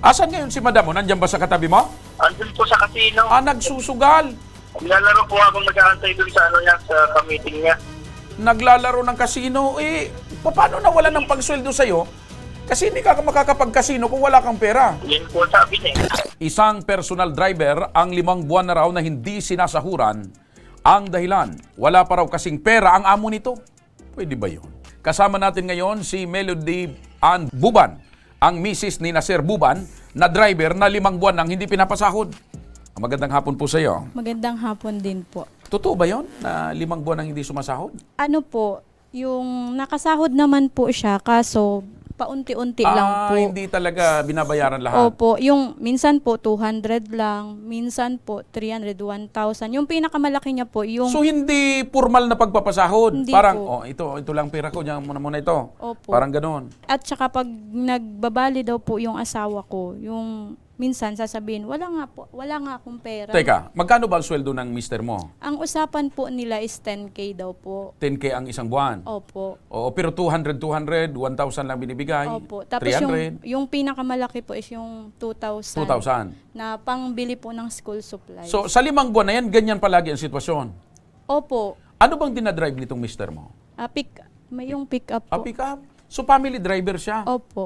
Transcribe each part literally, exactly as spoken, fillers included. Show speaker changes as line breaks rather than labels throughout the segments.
Asan ngayon si madam mo? Nandiyan ba sa katabi mo?
Andun po sa casino.
Ah, nagsusugal.
Naglalaro po habang nag-aantay dun sa ano niya, sa ka-meeting niya.
Naglalaro ng kasino. Eh, paano nawala ng pagsweldo sa'yo? Kasi hindi ka makakapag-kasino kung wala kang pera.
Yan po sabi niya.
Isang personal driver ang limang buwan na raw na hindi sinasahuran. Ang dahilan, wala pa raw kasing pera ang amo nito. Pwede ba yun? Kasama natin ngayon si Melody Ann Buban, ang misis ni Nasir Buban na driver na limang buwan nang hindi pinapasahod. Magandang hapon po sa iyo.
Magandang hapon din po.
Totoo ba yun na limang buwan nang hindi sumasahod?
Ano po, yung nakasahod naman po siya, kaso paunti-unti lang po.
Ah, hindi talaga binabayaran lahat.
Opo, yung minsan po two hundred lang, minsan po three hundred, one thousand. Yung pinakamalaki niya po, yung...
So hindi formal na pagpapasahod?
Hindi
Parang,
po.
oh, ito, ito lang pera ko, diyan muna muna ito.
Opo.
Parang ganoon.
At saka pag nagbabali daw po yung asawa ko, yung minsan sasabihin, wala nga po, wala nga akong pera.
Teka, magkano ba ang sweldo ng mister mo?
Ang usapan po nila is ten K daw po.
ten K ang isang buwan.
Opo.
Oo, pero two hundred, two hundred, one thousand lang binibigay.
Opo. Tapos
three
yung,
hundred,
yung pinakamalaki po is yung two thousand.
two thousand.
Na pangbili po ng school supplies.
So, sa limang buwan na yan, ganyan palagi ang sitwasyon.
Opo.
Ano bang dinadrive nitong mister mo?
Ah, pick, may yung pick up
A
po.
pick up. So, family driver siya.
Opo.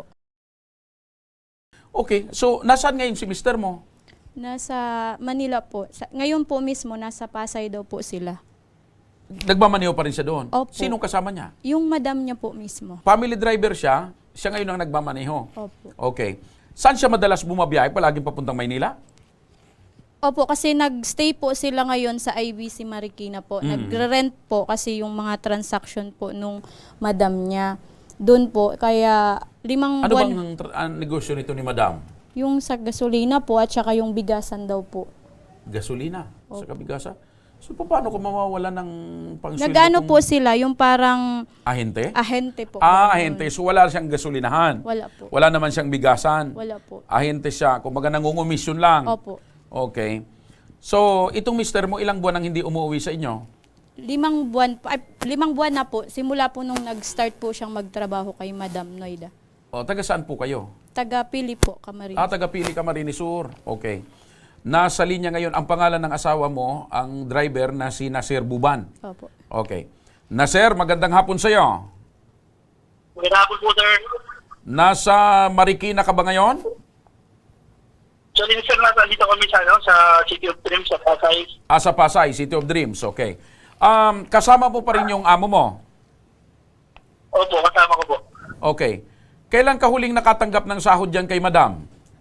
Okay, so, nasaan ngayon si mister mo?
Nasa Manila po. Sa, ngayon po mismo, nasa Pasay daw po sila.
Nagmamaneho pa rin siya doon?
Opo.
Sinong kasama niya?
Yung madam niya po mismo.
Family driver siya, siya ngayon ang nagmamaneho.
Opo.
Okay. Saan siya madalas bumabiyahe? Palaging papuntang Maynila?
Opo, kasi nagstay po sila ngayon sa I B C Marikina po.
Mm.
Nagre-rent po kasi yung mga transaction po nung madam niya. Doon po, kaya limang
Ano
buwan.
bang tr- ang negosyo nito ni madam?
Yung sa gasolina po at saka yung bigasan daw po.
Gasolina sa kabigasa. So, paano kung mawawala ng pangsweldo?
Nagano
kung
po sila, yung parang
ahente?
ahente po.
Ah,
Ganun.
ahente. So, wala siyang gasolinahan.
Wala po.
Wala naman siyang bigasan.
Wala po.
Ahente siya. Kung baga nangungumisyon lang.
Opo.
Okay. So, itong mister mo, ilang buwan nang hindi umuwi sa inyo?
Limang buwan, po- ay, limang buwan na po, simula po nung nag-start po siyang magtrabaho kay Madam Noida.
O, taga saan po kayo?
Taga Pili po, Camarines.
Ah, taga Pili Camarines Sur. Okay. Nasa linya ngayon, ang pangalan ng asawa mo, ang driver na si Nasir Buban.
Opo.
Okay. Nasir, magandang hapon sa iyo.
Magandang hapon po, sir.
Nasa Marikina ka ba ngayon?
So, sir, nasa dito kami sa, ano, sa City of Dreams, sa Pasay.
Ah, sa Pasay, City of Dreams. Okay. Um, kasama mo pa rin yung amo mo?
Opo, kasama ko po.
Okay. Kailan ka huling nakatanggap ng sahod dyan kay madam?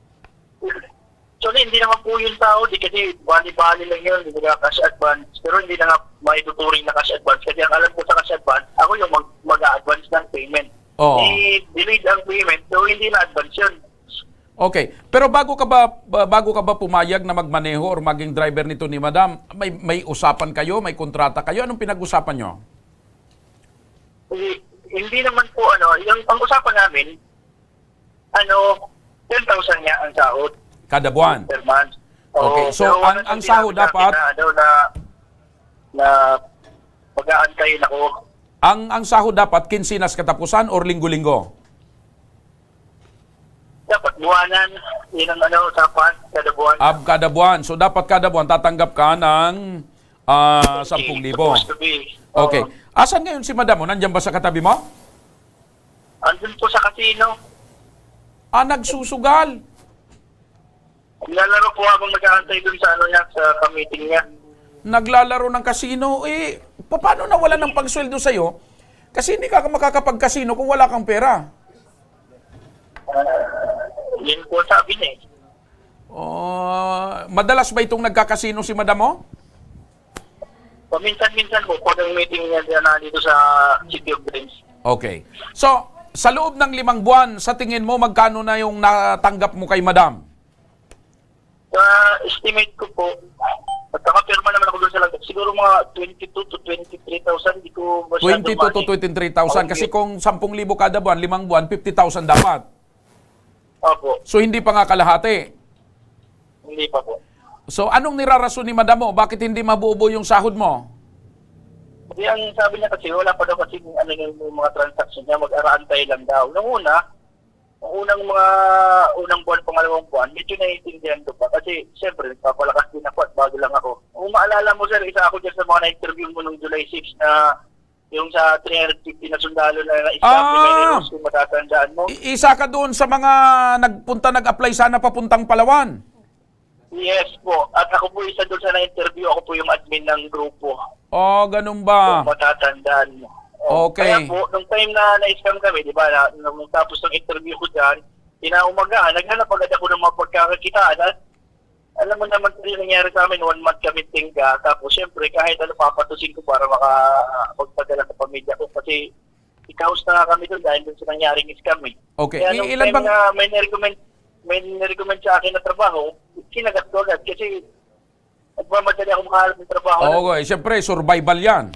So, hindi naman po yung tao, di kasi bali-bali lang yun, hindi na cash advance. Pero hindi na nga maituturing na cash advance. Kasi ang alam ko sa cash advance, ako yung mag- mag-a-advance ng payment.
Oo.
Eh, delayed ang payment, so hindi na advance yun.
Okay. Pero bago ka ba ba- bago ka ba pumayag na magmaneho or maging driver nito ni madam, may may usapan kayo, may kontrata kayo, anong pinag-usapan nyo?
Hindi, hindi naman po, ano, yung pang-usapan namin, ano, ten thousand niya ang sahod
Kada buwan.
per month.
Okay,
Oo,
so
pero
ang-
wala
ang
siyang
sahod
sinabi sa akin
dapat-
Na, ano, na, na mag-aantayin ako.
Ang ang sahod dapat kinsinas katapusan or linggo-linggo?
Dapat buwanan, yun ang ano, usapan, kada buwan.
Ab kada buwan. So dapat kada buwan tatanggap ka ng ah, ten libo.
Supposed to be.
Okay.
Oo.
Asan ngayon si madam mo? Nandiyan ba sa katabi mo?
Andun po sa casino.
Ah, nagsusugal.
Nilalaro po habang nag-aantay dun sa ano niya, sa ka-meeting niya.
Naglalaro ng kasino. Eh, paano nawala ng pagsweldo sa'yo? Kasi hindi ka makakapag-kasino kung wala kang pera.
Yun po sabi niya eh.
Oh, madalas ba itong nagkakasino si madam mo?
Paminsan-minsan po, pag ang meeting niya na dito sa City of Dreams.
Okay. So, sa loob ng limang buwan, sa tingin mo, magkano na yung natanggap mo kay madam?
Sa estimate ko po, at nakapirma naman ako doon sa lagay, siguro mga twenty-two to twenty-three thousand, di ko masyado
twenty-two to
mani.
twenty-three thousand. Kasi kung ten libo kada buwan, limang buwan, fifty thousand dapat.
Opo,
So, hindi pa nga kalahati.
hindi pa po.
So, anong nirarason ni madam mo? Bakit hindi mabuo yung sahod mo?
Kasi ang sabi niya kasi, wala pa daw kasi ano yung mga transaction niya, mag-araantay lang daw. Nung una, unang mga unang buwan, pangalawang buwan, medyo naiintindihan ko pa. Kasi, siyempre, nagpapalakas din ako at bago lang ako. Kung maalala mo, sir, isa ako dyan sa mga na-interview mo nung July sixth na yung sa three hundred fifty na sundalo na na-stop
Ah!
ni Meneros, kung matatandaan mo.
I- isa ka doon sa mga nagpunta, nag-apply sana papuntang Palawan.
Yes po. At ako po isa doon sa na-interview. Ako po yung admin ng grupo.
Oh, ganun ba?
Kung matatandaan mo. O,
Okay.
Kaya po, nung time na na-scam kami, di ba, na, nung tapos ng interview ko dyan, kinaumagaan, naghanap agad ako ng mga pagkakakitaan. At alam mo naman kung yung nangyari sa amin, one month kami tingga. Tapos syempre, kahit ano, papatusin ko para makapagpadala sa pamilya ko. Kasi ikaus na nga kami doon dahil doon sa nangyaring scam eh.
Okay.
Kaya
I-
nung
ilan
time
bang...
na may nirecommend, may nirecommend sa akin na trabaho, sinagat ko agad kasi nagmamadali ako makahalap ng trabaho.
Okay, siyempre, survival yan.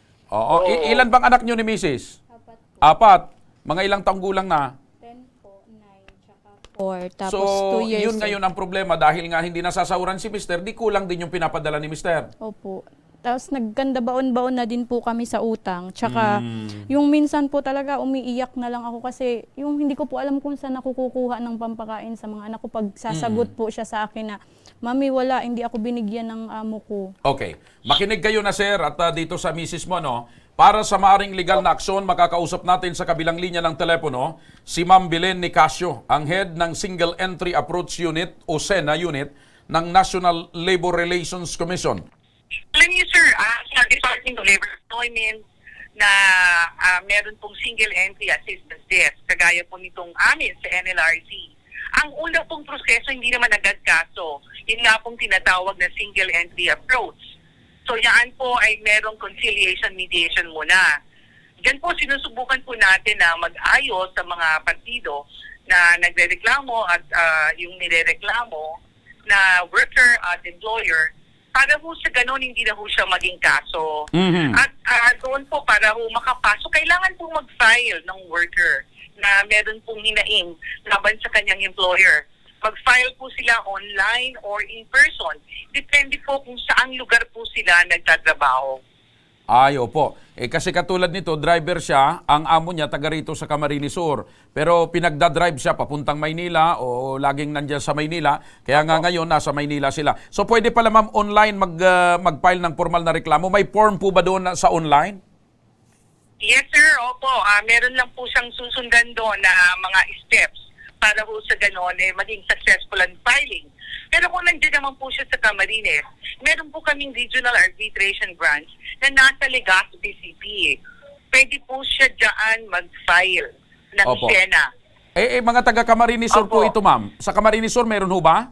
Oo. I-
Oo.
ilan bang anak nyo ni Missus?
Apat po.
Apat. Mga ilang taong gulang na?
ten po, nine, tsaka four. Tapos
So,
two years
yun ngayon ang problema dahil nga hindi nasasahuran si Mister, di kulang din yung pinapadala ni Mister.
Opo. Tapos nagkanda baon-baon na din po kami sa utang. Tsaka
Hmm.
yung minsan po talaga umiiyak na lang ako kasi yung hindi ko po alam kung saan ako kukuha ng pampakain sa mga anak ko pag sasagot po siya sa akin na, Mami, wala, hindi ako binigyan ng amo ko.
Okay. Makinig kayo na, sir, at uh, dito sa misis mo, no? Para sa maaring legal na aksyon, makakausap natin sa kabilang linya ng telepono si Ma'am Belen Nicasio, ang head ng Single Entry Approach Unit o SENA Unit ng National Labor Relations Commission.
Alam niyo, sir, ah, sa Department of Labor Employment na ah, meron pong single entry assistance desk, kagaya po nitong amin sa N L R C. Ang una pong proseso, hindi naman agad kaso. Yun nga pong tinatawag na single entry approach. So yan po ay merong conciliation mediation muna. Diyan po sinusubukan po natin na mag-ayos sa mga partido na nagrereklamo at ah, yung nirereklamo na worker at employer para po sa ganun hindi na po siya maging kaso.
Mhm.
At ah, doon po para po makapasok, kailangan po mag-file ng worker na meron pong hinaing laban sa kanyang employer. Mag-file po sila online or in person. Depende po kung saang lugar po sila nagtatrabaho.
Ay, opo. Eh, kasi katulad nito, driver siya, ang amo niya taga rito sa Camarines Sur. Pero pinagdadrive siya papuntang Maynila o laging nandiyan sa Maynila. Kaya nga ngayon, nasa Maynila sila. So pwede pala ma'am online mag, uh, mag-file ng formal na reklamo. May form po ba doon na- sa online?
Yes, sir. Opo. Ah, meron lang po siyang susundan doon na mga steps para po sa ganon eh, maging successful ang filing. Pero kung nandiyan naman po siya sa Camarines, meron po kaming regional arbitration branch na nasa Legazpi C P. Pwede po siya dyan mag-file ng
Opo.
SENA.
Eh, eh mga taga Camarines Sur po
Opo.
ito ma'am. Sa Camarines Sur meron ho ba?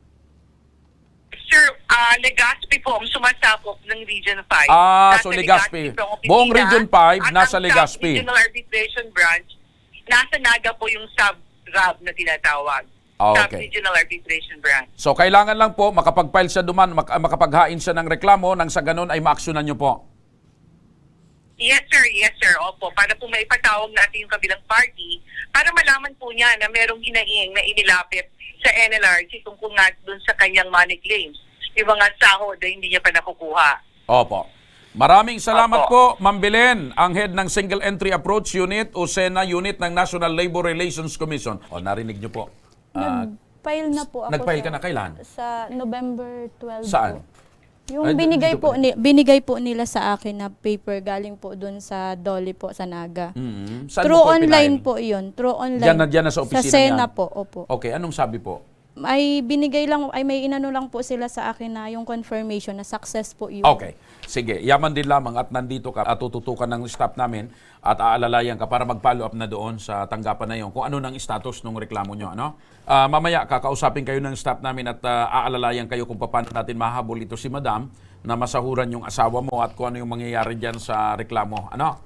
Sir, ah Legazpi po ang sumasakop ng Region five.
Ah,
Nasa
so Legazpi.
po ang opisina.
Buong Region five,
At
nasa
ang
Legazpi.
Regional Arbitration Branch, nasa Naga po yung sub-R A B na tinatawag.
Ah, okay.
Sub-Regional Arbitration Branch.
So kailangan lang po makapag-file siya duman, mak- makapaghain siya ng reklamo nang sa ganun ay maaksyonan niyo po.
Yes, sir. Yes, sir. Opo. Para po maipatawag natin yung kabilang party para malaman po niya na merong hinaing na inilapit sa N L R C tungkol nga dun sa kanyang money claims. Yung mga sahod na hindi niya pa nakukuha.
Opo. Maraming salamat
Opo.
po, Ma'am Belen, ang head ng Single Entry Approach Unit o SENA Unit ng National Labor Relations Commission. O, narinig niyo po. Ah,
Nag-file na po ako.
nag-file
sa,
ka na kailan?
Sa November twelfth
Saan?
po. Yung
Ay,
binigay
dito
po,
pa.
ni, binigay po nila sa akin na paper galing po doon sa Dolly po sa Naga.
Mhm. Saan
Through
mo po
online
pinail?
po yun. Through online.
Diyan na- diyan na sa opisina
Sa SENA
niyan?
po, opo.
Okay, anong sabi po?
Ay binigay lang, ay may inano lang po sila sa akin na yung confirmation na success po yun.
Okay. Sige, yaman din lamang at nandito ka at tututukan ng staff namin at aalalayan ka para mag-follow up na doon sa tanggapan na yon kung ano nang status ng reklamo nyo. Ano? Ah, mamaya, kakausapin kayo ng staff namin at ah, aalalayan kayo kung paano natin mahabol ito si Madam na masahuran yung asawa mo at kung ano yung mangyayari dyan sa reklamo. Ano?